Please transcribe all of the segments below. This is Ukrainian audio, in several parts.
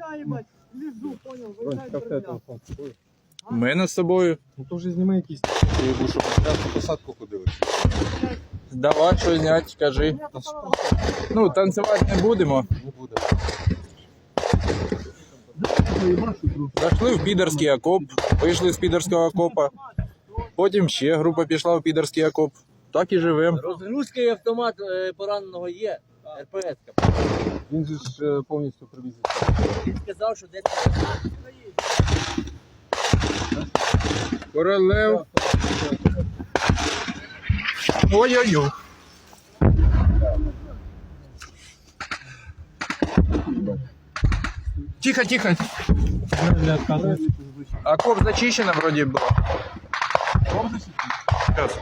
я, ебать, лежу, понял, виїжджаю. У мене з собою. Ну то вже зніми якісь, щоб прямо посадку ходили. Давай що зняти, кажи. Ну, танцювати не будемо. Не буде. Зайшли в підерський окоп, вийшли з підерського окопа. Потім ще група пішла в підерський окоп. Так і живемо. Розгрузка і автомат пораненого є. РПС. Він же ж повністю привіз. Він сказав, що десь Королев. Ой-ой-ой. Тихо, тихо. Окоп зачищено вроде было. Сейчас.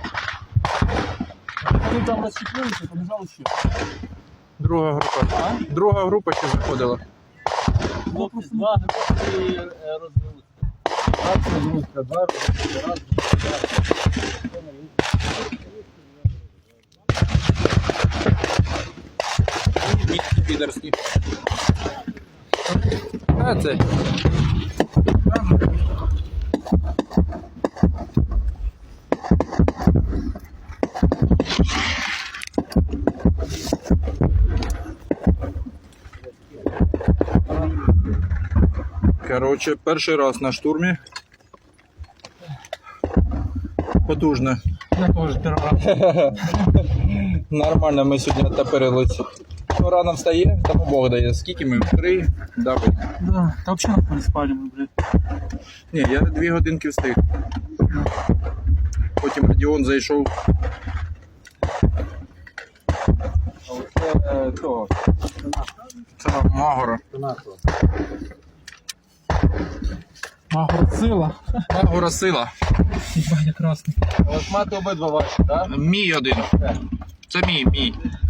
Вони там розчепилися, побіжали ще. Друга група. Друга група ще заходила. хлопці два гроші розгрузки. Раз розгрузка, два розгрузка, раз. Підерський. А це. Короче, перший раз на штурмі. Потужно. Я теж перший раз. Нормально ми сьогодні оттопирились. Ну, рано встає, тому Бог дає. Скільки ми? 3? Давай. Да, та взагалі не спали ми, блядь. Ні, я 2 годинки встиг. Потім Радіон зайшов. А оце того. Це Магора. Магорцила. Магора сила. Ебать, я красний. Ось мати обидва ваші, так? Мій один. Це мій.